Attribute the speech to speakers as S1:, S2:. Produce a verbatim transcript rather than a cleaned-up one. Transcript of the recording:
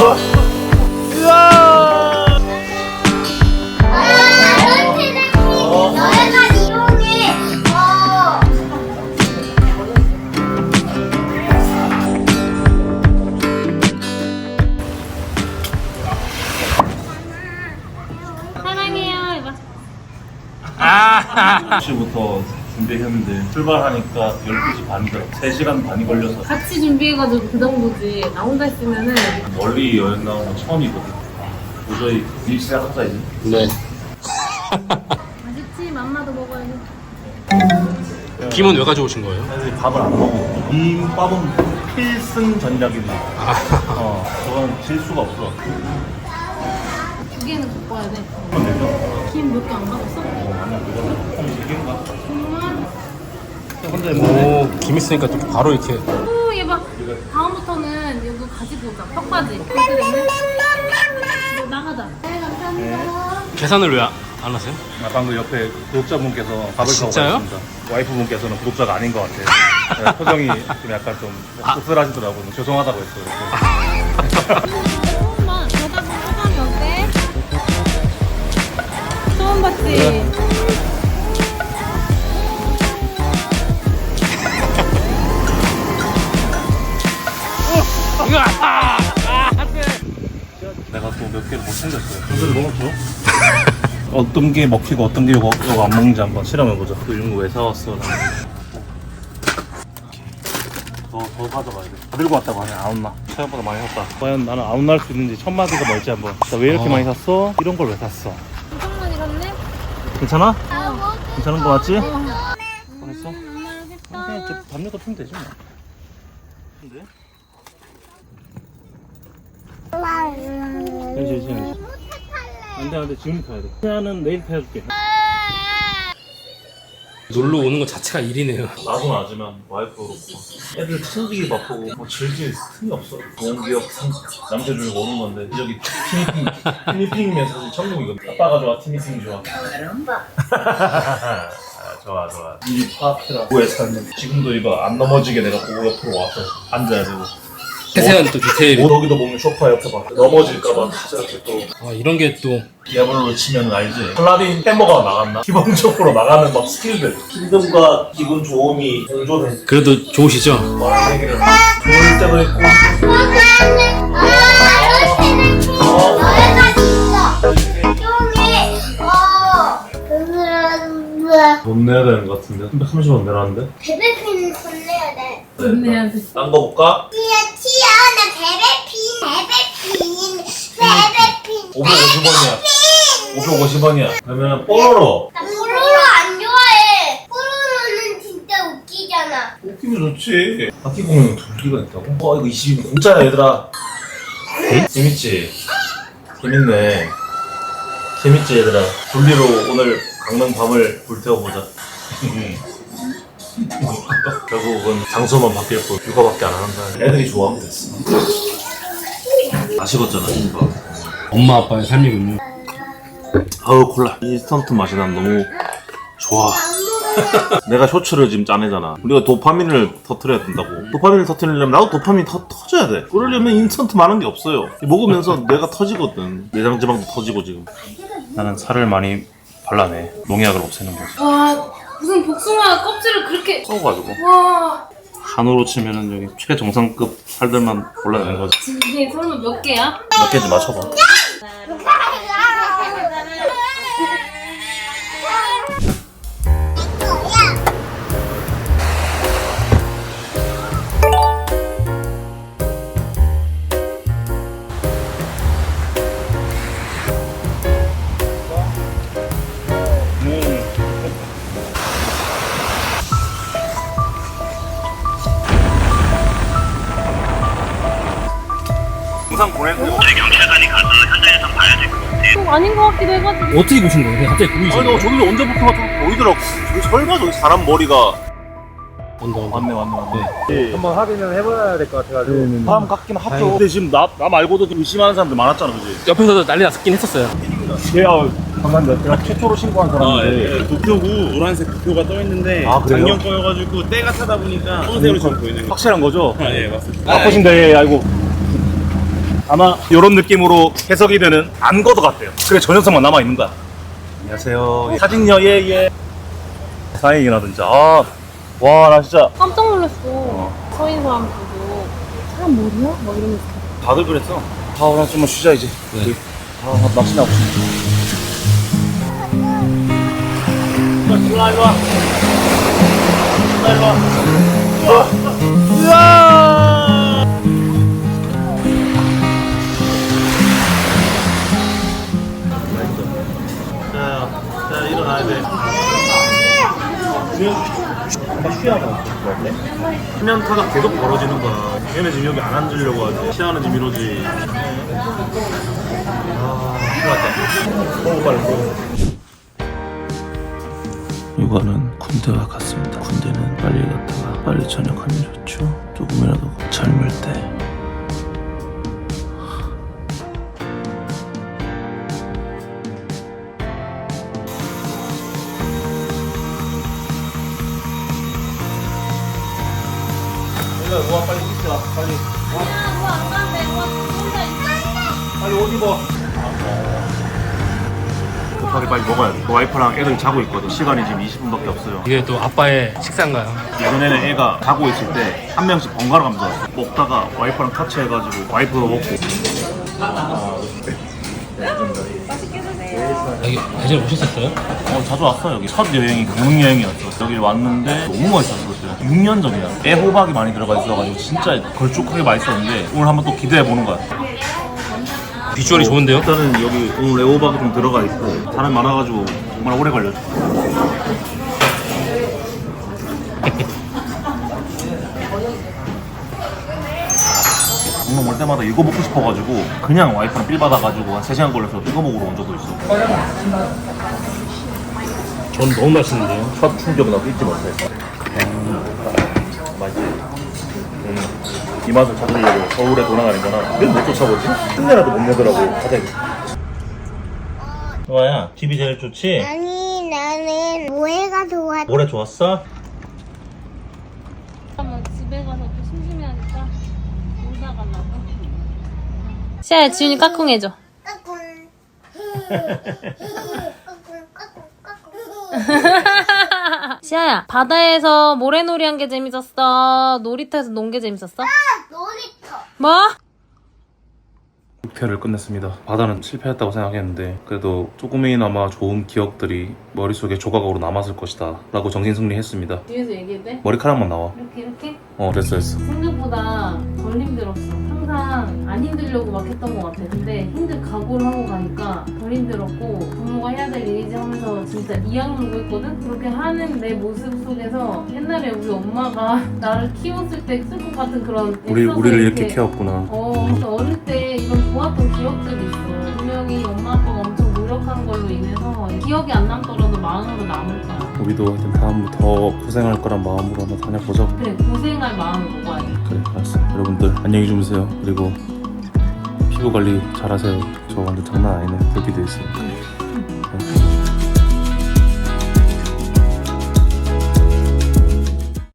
S1: 아 시부터 준비했는데 출발하니까 열두 시 반이더라. 세 시간 반이 걸려서
S2: 같이 준비해가지고 그 정도지. 나 혼자 했으면은.
S1: 멀리 여행 나온 건 처음이거든. 도저히 일 시작하자 이제.
S3: 네.
S2: 맛있지? 맘마도 먹어야지.
S3: 김은 왜 가져오신 거예요?
S1: 사실 밥을 안 먹어. 김밥은 필승 전략이지. 어, 저건 질 수가 없어.
S2: 두 개는 갖고 와야 돼.
S1: 그럼 되죠?
S2: 김 몇 개 안 가졌어?
S1: 어, 아니야, 그거는 콩 세 개인가?
S2: 정말?
S1: 근데 뭐.
S3: 오, 김 있으니까 또 바로 이렇게.
S2: 오, 얘 봐. 다음부터는 이거 가지고 오자. 턱받이. 그렇게 되면 이거 나가자. 네, 감사합니다.
S3: 계산을 왜 안 하세요?
S1: 아, 방금 옆에 구독자분께서 밥을 타고
S3: 진짜요?
S1: 가셨습니다. 와이프분께서는 구독자가 아닌 것 같아요. 네, 표정이 좀 약간 좀 씁쓸하시더라고요. 죄송하다고 했어요.
S2: 조금만 저다 소감이 어때? 처음 봤지?
S1: 내가 또 몇 개를 못 챙겼어요. 오늘 먹었죠? 어떤 게 먹히고 어떤 게 이거, 이거 안 먹는지 한번 실험해보자. 또 이런 거 왜 사왔어? 더, 더 가져가야 돼. 다 들고 왔다고 하네. 아웃나. 생각보다 많이 샀다. 과연 나는 아웃날 수 있는지 첫 마디가 뭘지 한번. 나 왜 이렇게
S3: 어.
S1: 많이 샀어? 이런 걸 왜 샀어?
S2: 엄청 많이 갔네?
S1: 괜찮아?
S2: 어.
S1: 괜찮은 거 맞지?
S2: 어.
S1: 했어?
S2: 엄마
S1: 그냥 이제
S2: 했다.
S1: 담요 덮으면 되지 뭐. 근데? 현실 현실. 안돼 안돼 지금 타야 돼. 태아는 내일 타줄게.
S3: 놀러 오는 것 자체가 일이네요.
S1: 나도 나지만 와이프도 그렇고 애들 챙기기 바쁘고 뭐 즐길 틈이 없어. 좋은 기억 남자 주려고 오는 건데 여기 티니핑 티니핑이면 사실 천국이거든. 아빠가 좋아 티니핑 좋아. 아, 좋아 좋아. 이 파트라 고에 살면 지금도 이거 안 넘어지게 내가 보고 옆으로 와서 앉아야 되고.
S3: 세세한 또 디테일이.
S1: 뭐 여기도 보면 소파 옆에 봐. 넘어질까봐 이렇게 또
S3: 아, 이런 게 또.
S1: 디아블로를 치면 알지. 팔라딘 해머가 나갔나? 기본적으로 나가는 막 스킬들. 힘듦과 기분 좋음이 공존해.
S3: 그래도 좋으시죠?
S1: 많은 얘기를 좋을 때도 있고. 돈 내야 되는 것 같은데? 삼백삼십 원 내라는데?
S4: 베베핀 돈 내야 돼.
S2: 돈 내야 돼.
S1: 딴 거 볼까?
S4: 티야 티야 나 베베핀 베베핀 베베핀
S1: 오백오십 원이야. 오백오십 원이야. 그러면 뽀로로.
S4: 나 뽀로로 안 좋아해. 뽀로로는 진짜 웃기잖아.
S1: 웃기면 좋지. 바퀴 공룡 둘기가 있다고? 어 이거 이십 원 공짜야 얘들아. 응? 재밌지? 재밌네. 재밌지 얘들아. 둘리로 오늘 강릉 밤을 불태워보자. 결국은 장소만 바뀔 뿐 육아밖에 안 한다. 애들이 좋아하면 됐어. 다 식었잖아 이거.
S3: 엄마 아빠의 삶이군요.
S1: 아우 콜라. 인스턴트 맛이 난 너무 좋아. 내가 쇼츠를 지금 짜내잖아. 우리가 도파민을 터트려야 된다고. 도파민을 터트리려면 나도 도파민 터, 터져야 돼. 그러려면 인스턴트 많은 게 없어요. 먹으면서 내가 터지거든. 내장지방도 터지고 지금. 나는 살을 많이 발라내. 농약을 없애는 거지.
S2: 와, 무슨 복숭아 껍질을 그렇게.
S1: 써가지고
S2: 와,
S1: 한우로 치면은 여기 최정상급 살들만 골라내는 거지.
S2: 이게 설마 몇 개야?
S1: 몇 개인지 맞춰봐. 영상 보내고. 경찰관이 가서 현장에서 봐야 될 것 같아.
S2: 좀 아닌 것 같기도 해가지고.
S3: 어떻게 보신 거예요? 갑자기 보이시죠?
S1: 아니 너 저기 언제부터 좀 보이더라고. 저기 설마 저기 사람 머리가.
S3: 언더, 언더.
S1: 맞네 맞네 맞네.
S5: 한번 확인을 해봐야 될 것 같아가지고.
S1: 사람 같긴 하죠. 근데 지금 나, 나 말고도 좀 의심하는 사람들 많았잖아 그지?
S3: 옆에서도 난리 났긴 했었어요.
S5: 예, 아, 잠깐만요. 제가 최초로 신고한 사람인데.
S6: 예, 도표고 노란색 도표가 떠 있는데
S1: 아, 그래요?
S6: 작년 거여가지고 때가 타다 보니까 검은색으로 좀 보이는 거.
S1: 확실한 거죠?
S6: 아, 예, 맞습니다.
S5: 바꾸신데, 예, 아이고. 아마 이런 느낌으로 해석이 되는 안거도 같대요. 그래 저 녀석만 남아 있는 거야. 안녕하세요. 사진녀 예예. 다행이나 진짜. 아, 와 나 진짜
S2: 깜짝 놀랐어. 서 있는 사람 보고 사람 머리야? 막 이러면서.
S5: 다들 그랬어. 아, 나 좀만 쉬자 이제.
S3: 네.
S5: 아, 나 낚시 나고 싶어. 일로 와, 일로 와. 일로 와. 으아!
S1: 자, 자 일어나야 돼.
S5: 한번 쉬어봐. 뭐
S1: 수면타가 계속 벌어지는 거야. 얘네 지금 여기 안 앉으려고 하지. 시야는 지금 이러지. 아, 좋았다. 너무 빨리 먹어. 육아는 군대와 같습니다. 군대는 빨리 갔다가 빨리 전역하면 좋죠. 조금이라도 젊을 때. 우와 빨리 입자 빨리
S2: 야, 뭐안 간대. 뭐 혼자 있어.
S1: 빨리 옷 입어. 급하게 빨리 먹어야 돼. 와이프랑 애들 자고 있거든. 시간이 지금 이십 분밖에 없어요.
S3: 이게 또 아빠의 식사인가요?
S1: 예전에는 애가 자고 있을 때 한 명씩 번갈아 가면서 왔어. 먹다가 와이프랑 같이 해가지고 와이프도 먹고.
S3: 여기 예전에 오셨었어요?
S1: 어 자주 왔어. 여기 첫 여행이 강릉 여행이었어. 여기 왔는데 너무 맛있었어 그때. 육 년 전이야. 애호박이 많이 들어가 있어가지고 진짜 걸쭉하게 맛있었는데 오늘 한번 또 기대해 보는 거야.
S3: 비주얼이 좋은데요?
S1: 일단은 여기 오늘 애호박이 좀 들어가 있고 사람 많아가지고 정말 오래 걸렸어. 강릉 올 때마다 이거 먹고 싶어가지고 그냥 와이프랑 빌 받아가지고 한 세 시간 걸려서 이거 먹으러 온 적도 있어.
S3: 전 너무 맛있는데요?
S1: 첫 충격은 나도 잊지 못해. 음, 맛있지? 음, 이 맛을 찾으려고 서울에 돌아가는 거나 왜 못 쫓아보지? 흉내라도 못 내더라고. 가자. 좋아야, 집이 제일 좋지?
S4: 아니 나는 모해가 좋아.
S1: 올해 좋았어?
S2: 그러면 집에 가서 또 심심해하니까 놀다 가려고. 시아야, 지훈이 까꿍 해줘.
S4: 까꿍. 까꿍 까꿍 까꿍.
S2: 시아야, 바다에서 모래놀이 한 게 재밌었어? 놀이터에서 논 게 재밌었어?
S4: 놀이터.
S2: 뭐?
S5: 육 회를 끝냈습니다. 바다는 실패했다고 생각했는데 그래도 조금이나마 좋은 기억들이 머릿속에 조각으로 남았을 것이다 라고 정신승리했습니다.
S2: 뒤에서 얘기해도 돼?
S5: 머리카락만 나와.
S2: 이렇게 이렇게?
S5: 어 됐어 됐어.
S2: 생각보다 덜 힘들었어. 항상 안 힘들려고 막 했던 것 같아. 근데 힘들 각오를 하고 가니까 덜 힘들었고 부모가 해야 될 일이지 하면서 진짜 이악물고 있거든? 그렇게 하는 내 모습 속에서 옛날에 우리 엄마가 나를 키웠을 때 쓸 것 같은 그런
S5: 우리
S2: 애써서
S5: 우리를 이렇게 키웠구나.
S2: 어, 그래서 어릴 때 이런 좋았던 기억들이 있어. 분명히 엄마 아빠가 엄청 노력한 걸로 인해서 기억이 안 남더라도 마음으로 남을 거야.
S5: 우리도 하여튼 다음 더 고생할 거란 마음으로 한번 다녀보자.
S2: 그래, 고생할 마음을 먹어야 돼.
S5: 그래 알았어. 여러분들 안녕히 주무세요. 그리고 피부 관리 잘하세요. 저 완전 장난 아니네. 여기도 있어요.